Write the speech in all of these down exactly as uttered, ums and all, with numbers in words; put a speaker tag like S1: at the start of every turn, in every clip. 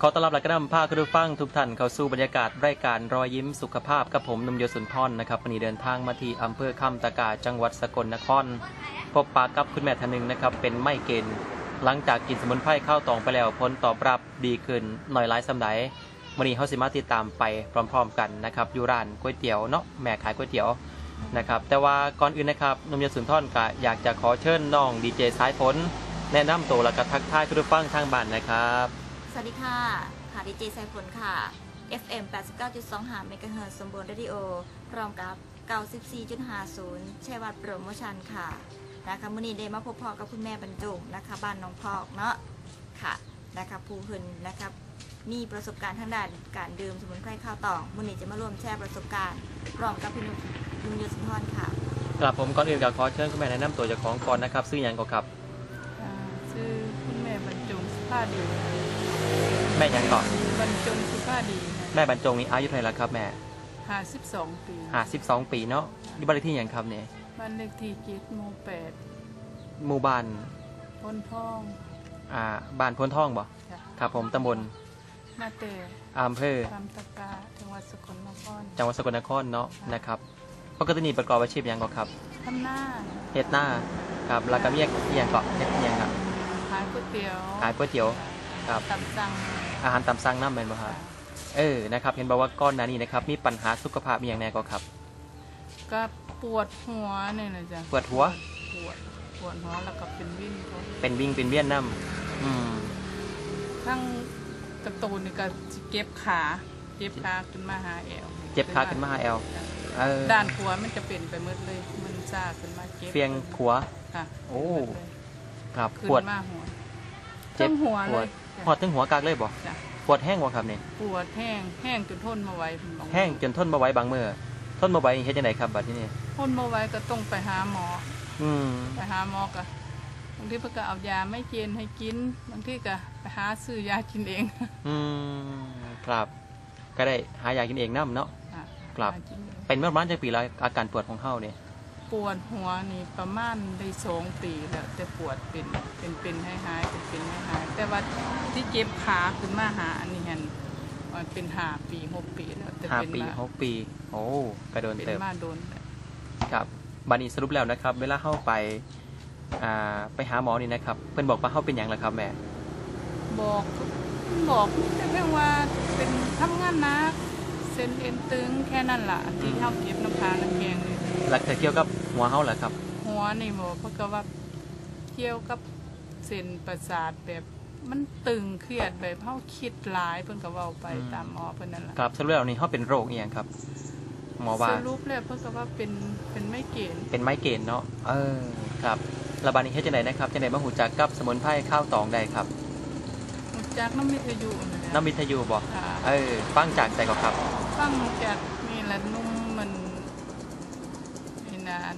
S1: ขอต้อนรับและก็นำพาคุณผู้ฟังทุกท่านเข้าสู่บรรยากาศรายการรอยยิ้มสุขภาพกับผมหนุ่มโยสุนทรนะครับวันนี้เดินทางมาที่อำเภอคำตะกาจังหวัดสกลนครพบปะกับคุณแม่ท่านหนึ่งนะครับเป็นไมเกรนหลังจากกินสมุนไพรข้าวตองไปแล้วผลตอบรับดีขึ้นหน่อยหลายสำหรับวันนี้เขาสิมาติดตามไปพร้อมๆกันนะครับอยู่ร้านก๋วยเตี๋ยวเนาะแม่ขายก๋วยเตี๋ยวนะครับแต่ว่าก่อนอื่นนะครับหนุ่มโยสุนทรก็อยากจะขอเชิญน้องดีเจสายฝนแนะนำตัวและก็ทักทายคุณผู้ฟังทางบ้านนะครับ
S2: สวัสดีค่ะค่ะดีเจสายฝนค่ะ เอฟ เอ็ม แปดสิบเก้าจุดสองห้า เมกะเฮิรตซ์สมบูรณ์เรดิโอพร้อมกับ เก้าสิบสี่จุดห้าศูนย์ ชัยวัฒน์โปรโมชั่นค่ะนะคะมื้อนี้ได้มาพบพ่อกับคุณแม่บรรจงนะคะบ้านน้องพอกเนาะค่ะนะคะผู้เพิ่นนะคะมีประสบการณ์ทางด้านการดื่มสมุนไพรข้าวตองมื้อนี้จะมาร่วมแชร์ประสบการณ์พร้อมกับพี่นุ่มนุ่มยศสุนทรค่ะ
S1: กลับผมก่อนอื่นก็ขอเชิญคุณแม่แนะนำตัวเจ้าของก่อนนะครับชื่อหยังก่อนครับ
S3: ชื่อคุณแม่บรรจงสุภาดี
S1: แม่ยังก่อน
S3: บรรจงสุภาดี
S1: แม่บรรจงนี่อายุเท่าไหร่แล้วครับแม่
S3: ห้าสิบสองปี
S1: ห้าสิบสองปีเนาะอยู่บ้านเลขที่หยังครับเนี่ย
S3: บ้านเลขที่เจ็ดหมู่แปด
S1: หมู่บ้าน
S3: พ้นทอง
S1: อ่าบ้านพ้นทองบ่ครับผมตำบล
S3: นาเต
S1: อำเภอ
S3: คำตะกาจังหวัดสกลนคร
S1: จังหวัดสกลนครเนาะนะครับปกตินี่ประกอบอาชีพหยังก่อนครับ
S3: ทำหน้า
S1: เฮ็ดหน้าครับแล้วก็มีอีหยังก่อนเฮ็ดอีหยังครับ
S3: ขายก๋วยเตี๋ยว
S1: ขายก๋วยเตี๋ยวครับ
S3: ตำสั่ง
S1: อาหารตามสั่งน้ำแม่นบ่ครับเออนะครับเห็นบอกว่าก้อนหน้านี้นะครับมีปัญหาสุขภาพมีอย่างแน่ก็ครับ
S3: ก็ปวดหัวเนี่ยนะจ๊ะ
S1: ปวดหัว
S3: ปวดปวดหัวแล้วก็เป็นวิ่ง
S1: เป็นวิ่งเป็นเวียนน้ำอืม
S3: ทั้งกระตูนนี่ก็เก็บขาเจ็บขาขึ้นมาหาแอว
S1: เจ็บขาขึ้นมาหาแอว
S3: ด้านขวามันจะเป็นไปหมดเลยมันซ่าขึ้นมาเจ็บ
S1: เฟียงขวา
S3: ค่ะ
S1: โอ้ครับ
S3: ปวดมาหัวเจ็บหัวเลย
S1: ปวดถึงหัวกากเลยบ่ปวดแห้งบ่ครับเนี่ย
S3: ปวดแห้งแห้งจนทนมาไว้
S1: แห้งจนทนมาไว้บางเมื่อทนมาไว้เฮ็ดจังได๋ครับบัดนี้
S3: ทนมาไว้ก็ต้องไปหาหมอ
S1: อืม
S3: ไปหาหมอก็บางทีเพิ่นก็เอายาไม่เจนให้กินบางทีก็ไปหาซื้อยากินเอง
S1: อืมครับก็ได้หายากินเองนำเนาะครับเป็นเมื่อประมาณจักปีแล้วอาการปวดของเฮาเนี่ย
S3: ปวดหัวนี่ประมาณได้สองปีแล้วแต่ปวดเป็นเป็นเป็นให้หายเป็นเป็นให้หายแต่ว่าที่เจ็บขาขึ้นมาหาอันนี้เห็นมันเป็นห้าปีหกปีแล้วแต่
S1: เป็นมาห้าปีหกปีโอ้กระโดนเติม
S3: มาโดน
S1: ครับบัดนี้สรุปแล้วนะครับเวลาเข้าไปอ่าไปหาหมอนี่นะครับเพิ่นบอกว่าเฮาเป็นหยังล่ะครับแม่
S3: บอกบอกแต่เพียงว่าเป็นทำงานหนักเส้นเอ็นตึงแค่นั้นล่ะที่เฮาเจ็บน้ำพาน้ำแข็งเลย
S1: หลักแต่เกี่ยวกับหัวเฮาเหรอครับ
S3: หัวนี่บอกเพราะก็ว่าเกี่ยวกับเส้นประสาทแบบมันตึงเครียดแบบเฮาคิดหลายเพิ่นก็เว้าไปตามหมอเพิ่นนั่นล่ะ
S1: ครับสรุปแล้วนี่เฮาเป็นโรคอีหยังครับหมอว่า
S3: สรุปแล้วเพิ่นก็ว่าเป็นเป็นไมเกรน
S1: เป็นไมเกรนเนาะเออครับแล้วบัดนี้เฮ็ดจังได๋นะครับจังได๋มาฮู้จักกับสมุนไพรข้าวตองได้ครับ
S3: ฮู้จักน้ำวิทยุ
S1: น้ำวิทยุบ่เออฟังจากไสก็ครับ
S3: ฟังจากนี่แหละนุ่มมันนี่นาน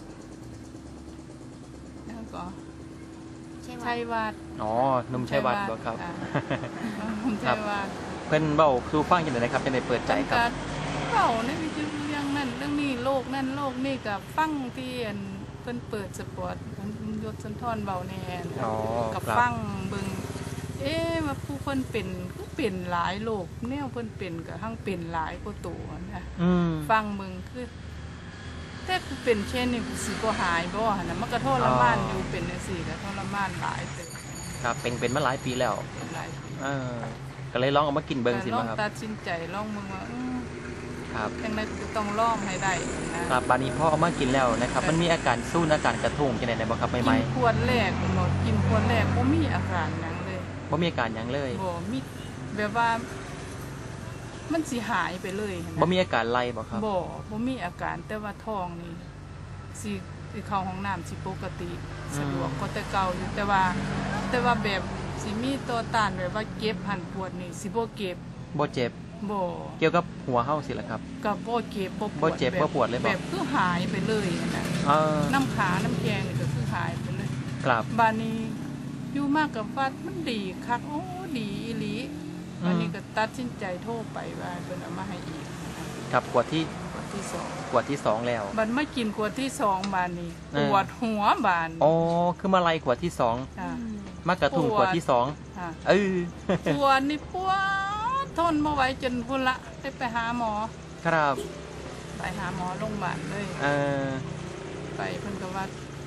S3: แล้วก็ชัยวัฒน์
S1: อ๋อนุ่มชัยวัฒน์บ่ครับ
S3: นุ่มชัยวัฒน์
S1: เพิ่นเว้าสู่ฟังจังได๋นะครับจังได๋เปิดใจครับ
S3: เว้าในวิทยุเรื่องนั้นเรื่องนี้โลกนั้นโลกนี้ก็ฟังที่เพิ่นเปิดสปอร์ตเพิ่นยศสุนทรเว้าแน่ก็ฟังเบิ่งเอ๊ะว่าผู้เพิ่นเป็นคือเป็นหลายโรคแนวเพิ่นเป็นก็ทั้งเป็นหลายกว่าตัวนะฟังเบิ่งคือแต่คือเป็นเช่นนี่สิบ่หายบ่หั่นน่ะมันก็ทรมานอยู่เป็นจังซี่ก็ทรมานหลายเด้อ
S1: ครับเป็นเป็นมาหลายปีแล้ว
S3: เป็นหลายปี
S1: เออก็เลยลองเอามากินเบิ่งสิ
S3: มา
S1: ครับ
S3: ลองตัดสินใจลองเบิ่งว่าอือ
S1: ครับ
S3: จังได๋ต้องลองให้ได้
S1: นะครับบัดนี้พอเอามากินแล้วนะครับมันมีอาการสู้อาการกระทุ้งจังได๋ได้บ่ครับใหม่
S3: ๆขวดแรกบ่กินขวดแรกบ่มีอาการหยัง
S1: บ่มีอาการหยังเลย
S3: บ่มีแบบว่ามันสิหายไปเลย
S1: บ่มีอาการไล่บ่ครับ
S3: บ่บ่มีอาการแต่ว่าท้องนี่สิสิเข้าห้องน้ำสิปกติสะดวกกว่าแต่เก่าอยู่แต่ว่าแต่ว่าแบบสิมีตัวต้านแบบว่าเก็บหันปวดนี่สิบ่เก็บ
S1: บ่เจ็บ
S3: บ่
S1: เกี่ยวกับหัวเฮาสิล่ะครับ
S3: ก็บ่เก็บบ่ปวด
S1: บ่เจ็บบ่ปวดเลยบ่
S3: แบบคือหายไปเลยนะ
S1: เออ
S3: น้ำขาน้ำแข็งนี่ก็คือหายไปเลย
S1: ครับ
S3: บัดนี้อยู่มากกับวัดมันดีคักโอ้ดีอีหลีวันนี้ก็ตัดสินใจโทรไปว่าเพิ่นเอามาให้อีก
S1: ครับขวดที่
S3: ที่สอง
S1: ขวดที่สองแล้ว
S3: บัดไม่กินขวดที่สองบานนี้
S1: เอ
S3: ป
S1: อ
S3: วดหัวบาน
S1: อ๋อคือมาไล่ขวดที่สอง
S3: ค่ะ
S1: มากระทุ่ง
S3: ปวด
S1: ขวดที่สอง
S3: ค่ะ
S1: เออ
S3: ปวดนี่ปวดทนมาไหว้จนพุ่นละได้ไปหาหมอ
S1: ครับ
S3: ไปหาหมอโรงพยาบาลเลย
S1: เออ
S3: ไปเพิ่นก็ว่า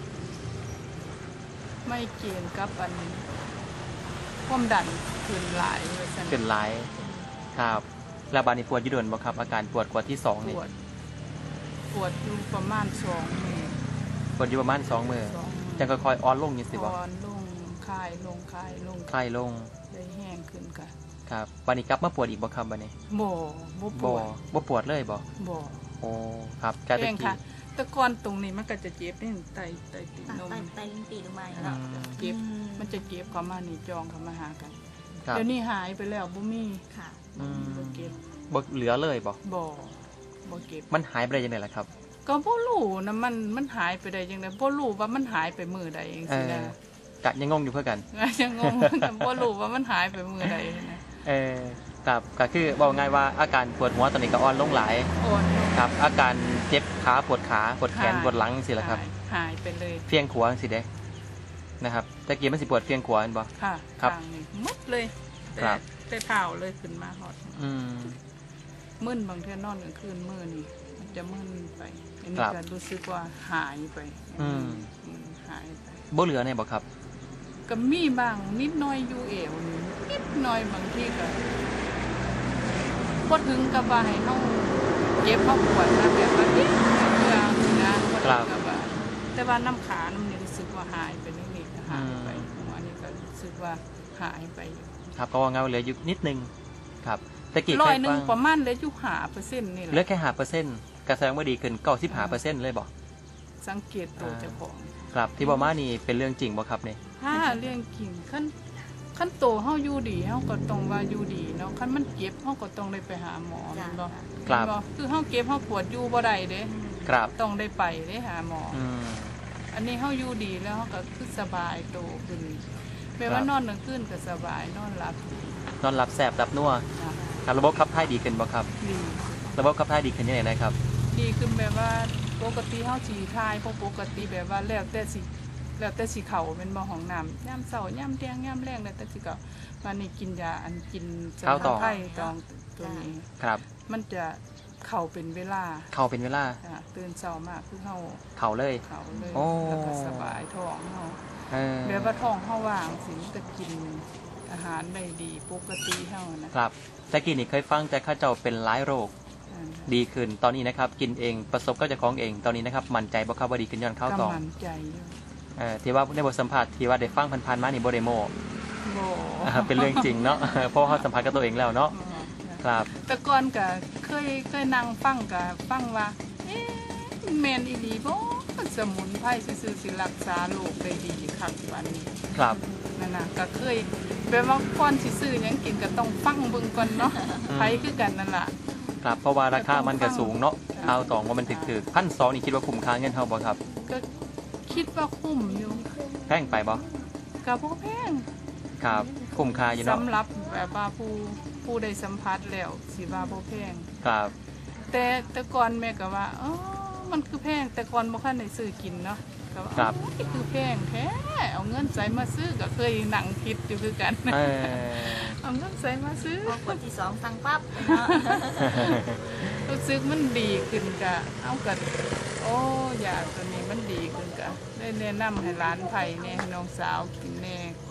S3: ไม่เกณฑ์กับอันความดันขึ้นหลายว่าซั่น
S1: เป็นหลายครับแล้วบาดนี้ปวดอยี่โดนบ่ครับอาการปวดขวดที่สอง
S3: ป
S1: นี่
S3: วดปวดอยู่ประมาณสองมื้อ
S1: ปวดอยู่ประมาณสองมือ
S3: สองมื้อ
S1: จังค่อยๆอ่อนลงนี่สิบ่
S3: อ่อนลงคลายลงคลายลง
S1: คลายลง
S3: ได้แห้งขึ้นกัน
S1: ครับบาดนี้กลับมาปวดอีกบ่ครับบาดนี้
S3: บ่บ่ป
S1: บ่
S3: วด
S1: บ่ปวดเลยบ่
S3: บ่
S1: โอ้ครับกา
S3: แห้
S1: ตะ
S3: ง
S1: กี้
S3: ค่ะ แต่ก่อนตรงนี้มันก็จะเจ็บนี่ไตไตติด
S2: ตัด
S3: นม
S2: ไตไตลิ้นปีหรือไม่
S1: อื
S2: เนาะ
S1: ม
S3: เจ็บมันจะเจ็บเข้ามานี่จองเข้ามาหากัน
S1: ครับ
S3: เดี๋ยวนี้หายไปแล้วบ่มี
S2: ค่ะ
S1: อืม
S3: บ่เก็บ
S1: บ่เหลือเลยบ่
S3: บ่บ่เก็บ
S1: มันหายไปได้ยังไงล่ะครับ
S3: ก็บ่รู้นะมันมันหายไปได้จังได๋บ่รู้ว่ามันหายไปมื้อใดจัง
S1: เอ
S3: ซี่
S1: อ
S3: นะ
S1: กะยังงงอยู่เพื่อกัน
S3: ยังงงเหมือนกันบ่รู้ว่ามันหายไปมื้อใดนะ
S1: เออครับก็คือบอกง่ายว่าอาการปวดหัวตอนนี้ก็อ่อนลงหลาย
S3: โอนลง
S1: ครับ อาการเจ็บขาปวดขาปวดแขน
S3: หาย
S1: ปวดหลังสิล่ะครับ
S3: หายหายไปเลย
S1: เฟียงขวาสิเด้นะครับตะกี้มันสิปวดเฟียงขวาเห็นบ่
S3: ค่ะ
S1: ครับ
S3: ข้างนี้หมดเลยแต่
S1: ครับ
S3: แต่เท้าเลยขึ้นมาฮอด
S1: อืม
S3: มึนบางเทื่อนอนกลางคืนมื้อนี่มันจะมึนไปอันนี้
S1: ครับ
S3: ก็รู้สึกว่าหายไป
S1: อืม
S3: อืมหายไป
S1: บ่เหลือเนี่ยบ่ครับ
S3: ก็มีบ้างนิดหน้อยอยู่เอวนี่นิดหน่อยบางทีก็บ่ถึงกับว่าให้เฮาเจ็บเฮาปวดนะแบบว่านิดเดียวนะบ่ถึงกับว่าแต่ว่าน้ำขาน้ำนี่รู้สึกว่าหายไปนิดๆหายไปหัวนี่ก็รู้สึกว่าหายไปอยู่
S1: ครับก็ว่าเงาเหลืออยู่นิดนึงครับตะกี้
S3: ร้
S1: เค
S3: อย
S1: ย
S3: หนึ
S1: ฟั
S3: ง
S1: ง
S3: ประมาณเหลืออยู่ห้าเปอร์เซ็นต์นี่แห
S1: เหลือ
S3: ละ
S1: แค่ห้าเปอร์เซ็นต์กระแสดงว่าดีขึ้นเก้าสิบห้าเปอร์เซ็นต์เลยบ่
S3: สังเกตตัวเจ้าของ
S1: ครับที่บ่มานี่เป็นเรื่องจริงบ่ครับนี่
S3: ถ้าเรื่องกินขั้นขั้นโตเฮาอยู่ดีเฮาก็ต้องว่าอยู่ดีเนาะขั้นมันเจ็บเฮาก็ต้องได้ไปหาหมอ
S2: จ้ะ
S3: แม่นบ่
S1: ครับ
S3: แม่นบ่คือเฮาเจ็บเฮาปวดอยู่บ่ได้เด้
S1: ครับ
S3: ต้องได้ไปได้หาหมออ
S1: อืม
S3: อันนี้เฮาอยู่ดีแล้วเฮาก็คือสบายโตขึ้นแม้
S1: ครั
S3: ว่า
S1: บ
S3: นอนกลางคืนก็สบายนอนหลับดี
S1: นอนหลับแสบหลับนัว
S3: นะครับ
S1: ระบบขับถ่ายดีขึ้นบ่ครับ
S3: ดี
S1: ระบบขับถ่ายดีขึ้นยังไงนะครับ
S3: ดีขึ้นแบบว่าปกติเฮาสิทายบ่ปกติแบบว่าแล้วแต่สิแล้วแต่สิเข้าเป็นบ่ห้องน้ำยามเช้ายามเที่ยงยามแลงแล้วแต่สิเข้าวันนี้กินยาอันกินส
S1: ข้าวต่อ
S3: มุนไพรตองตัวนี้
S1: ครับ
S3: มันจะเข้าเป็นเวลา
S1: เข้าเป็นเวลา
S3: จ้ะตื่นเช้ามากคือเฮา
S1: เข้าเลย
S3: เข้าเลย
S1: โอ้
S3: แล้วก็สบายท้องเฮา
S1: เออ
S3: แบบว่าท้องเฮาว่างสิมันก็กินอาหารได้ดีปกติเฮานะครับ
S1: ตะกี้นี่เคยฟังแต่ข้าเจ้าเป็นหลายโรค
S3: อ่า
S1: ดีขึ้นตอนนี้นะครับ กินเองประสบก็จะของเองตอนนี้นะครับมั่นใจบ่ครับว่าดีขึ้นย้อนข้าวตอง
S3: กำมันใจอยู่
S1: เอ่อที่ว่าในบทสัมภาษณ์ที่ว่าได้ฟังพันๆมานี่บ่ได้โม
S3: บ่
S1: อ่าเป็นเรื่องจริงเนาะ เพราะว่าเขาสัมภาษณ์กับตัวเองแล้วเนาะ
S3: บ่จ้ะ
S1: ครับ
S3: แต่ก่อนก็เคยเคยนั่งฟังก็ฟังว่าเอ๊ะแม่นอีหลีบ่สมุนไพรซื่อๆสิรักษาโรคได้ดีคักปานนี้
S1: ครับ
S3: นั่นน่ะก็เคยแบบว่าก่อนสิซื้อหยังกินก็ต้องฟังเบิ่งก่อนเนาะไผคือกันนั่นล่ะ
S1: ครับเพราะว่าราคามันก็สูงเนาะ
S3: จ้ะ
S1: ข้าวตองว่ามันถึกๆพันสองนี่คิดว่าคุ้มค่าเงินเท่าบ่ครับ
S3: ก็คิดว่าคุ้มอยู่
S1: แพงไปบ่
S3: ก็บ่แพง
S1: ครับคุ้มค่าอยู่เนาะ
S3: สำหรับแบบว่าผู้ผู้ได้สัมผัสแล้วสิว่าบ่แพง
S1: ครับ
S3: แต่แต่ก่อนแม่ก็ว่าอ๋อมันคือแพงแต่ก่อนบ่คันได้ซื้อกินเนาะก็ว่า
S1: ครับ
S3: โอ้ยคือแพงแท้เอาเงินใส่มาซื้อก็เคยนั่งคิดอยู่คือกัน
S1: เออ
S3: เอาเงินใส่มาซื้อ
S2: พอขวดที่สองสั่งปั๊บเนาะ
S3: รู้สึกมันดีขึ้นก็เอากันโอ้ยาตัวนี้มันดีขึ้นก็ได้แนะนำให้หลานไผแน่ให้น้องสาวกินแน่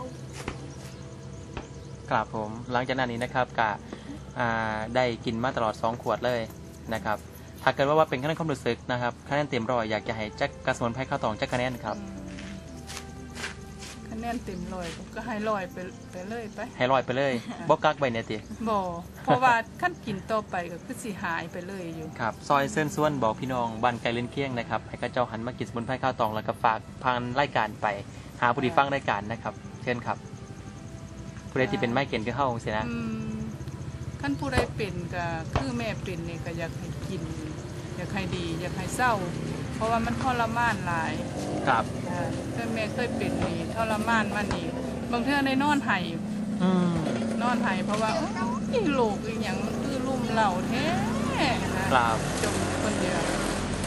S1: ครับผมหลังจากนั้นนี้นะครับกะอ่าได้กินมาตลอดสองขวดเลยนะครับถ้าเกิดว่าว่าเป็นคะแนนความรู้สึกนะครับคะแนนเต็มร้อยอยากจะให้แจ็คกระสมุนไพรข้าวตองแจ็คคะแนนครับ
S3: อืมคะแนนเต็มร้อยก็ให้ร้อยไปไปเลยไป
S1: ให้ร้อยไปเลยบ่กักใบเนี่ยติ
S3: บ่เพราะว่าขั้นกินต่อไปก็คือสิหายไปเลยอยู่
S1: ครับซอยเส้นส่วนบอกพี่น้องบ้านไกลเล่นเคียงนะครับให้ข้าเจ้าหันมากินสมุนไพรข้าวตองแล้วก็ฝากพันรายการไปหาผู้ที่ฟังรายการนะครับเช่นครับผู้ใดที่เป็นไม้เก่นก็เข้าเสียนะ
S3: อืมขั้นผู้ใดเป็นก็คือแม่เป็นนี่ก็อยากให้กิน อยากให้ดี อยากให้เศร้า เพราะว่ามันทรมานหลาย
S1: ครับ
S3: อ่าแต่แม่เคยเป็นนี่ทรมานมานี่บางเทื่อในนอนไห้
S1: อืม
S3: นอนไห้เพราะว่าโอ้ยโรคอีหยังมันคือลุ่มเหล่าแท้นะครับ จมคนเดียว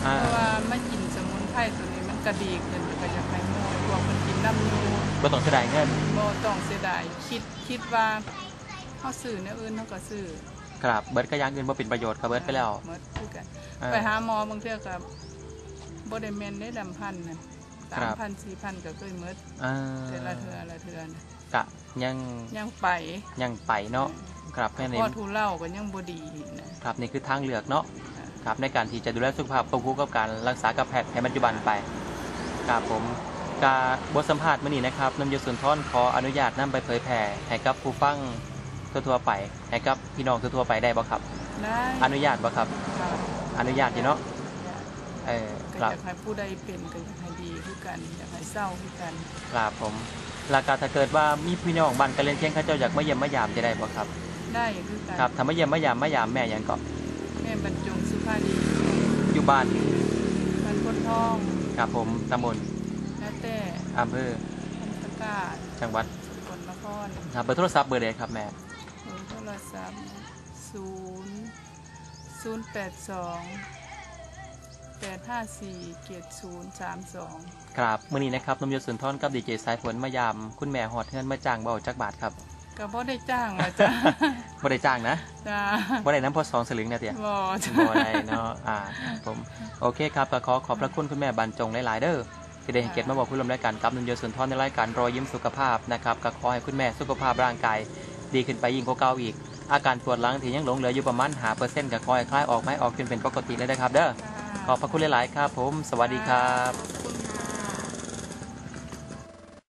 S3: เพราะว่าไม่กินสมุนไพรตัวนี้มันกระดีขึ้นก็อยากให้หมู่พวกมันกินน้ำอยู่
S1: บ่ต้องเสียดายเงิน
S3: บ่ต้องเสียดายคิดคิดว่าเฮาซื้อแนวอื่นเฮาก็ซื้อ
S1: ครับเบิร์ดก็อย่างอื่นบ่เป็นประโยชน์ครับเบิร์ดไปแล้ว
S3: หมดคือกัน
S1: อ่า
S3: ไปหาหมอบางเทื่อก็บ่ได้แม่นได้ดำพันน่ะ
S1: ครับ
S3: สามพัน สี่พันก็เคยหมด
S1: อ่า
S3: แต่ละเทื่อละเทื่อน่ะ
S1: กะยัง
S3: ยังไป
S1: ยังไปเนาะครับแค่นี้
S3: พอทุเล่าก็ยังบ่ดีนะครับ
S1: นี่คือทางเลือกเนาะครับในการที่จะดูแลสุขภาพควบคู่กับการรักษากับแพทย์ในปัจจุบันไปครับผมกาบทสัมภาษณ์มื้อนี้นะครับนำยศสุนทรขออนุญาตนำไปเผยแผ่ให้กับผู้ฟังทั่วๆไปให้กับพี่น้องทั่วๆไปได้บ่ครับ
S3: ได้
S1: อนุญาตบ่ครับ
S3: ครับ
S1: อนุญาตอยู่เนาะเออ
S3: ก็
S1: ครับ
S3: อยากให้ผู้ใดเป็นก็อยากให้ดีคือกันอยากให้เศร้าคือกัน
S1: ครับผมแล้วก็ถ้าเกิดว่ามีพี่น้องบ้านกันเล่นเคียงเขาเจ้าอยากมาเยี่ยมมายามจะได้บ่ครับ
S3: ได้คือกัน
S1: ครับถ้ามาเยี่ยมมายามมายามแม่หยังก็
S3: แม่บรรจงสุภาดี
S1: อยู่บ้าน
S3: มันพ้นทอง
S1: ครับผมตำบล
S3: นาแต่
S1: อำเภอ
S3: พันธกาศ
S1: จังหวัด
S3: สกลนคร
S1: ครับเบอร์โทรศัพท์เบอร์ใดครับแม่
S3: เบอร์โทรศัพท์ศูนย์ศูนย์แปดสองแปดห้าสี่เกียรติศูนย์สามสอง
S1: ครับมื้อนี้นะครับนมยศสุนทรกับดีเจสายฝนมายามคุณแม่หอดเฮือนมาจ้างเบาจักบาทครับ
S3: ก็บ่ได้จ้างอ่ะจ้ะ
S1: บ่ได้จ้างนะ
S3: จ้า
S1: บ่ได้น้ำพอสองสลึงนะเตี่ย
S3: บ่จ้ะ
S1: บ่ได้เนาะอ่าครับผมโอเคครับก็ขอขอบพระคุณคุณแม่บรรจงหลายๆเด้อที่ได้ให้เกียรติมาบอกผู้ร่วมรายการกับนมยศสุนทรในรายการรอยยิ้มสุขภาพนะครับก็ขอให้คุณแม่สุขภาพร่างกายดีขึ้นไปยิ่งกว่าเก่าอีก อาการปวดหลังที่ยังหลงเหลืออยู่ประมาณห้าเปอร์เซ็นต์ก็คอยคลายออกไม่ออกจนเป็นปกติเลยนะครับเด้อขอบพระคุณหลายๆครับผมสวัสดีครับ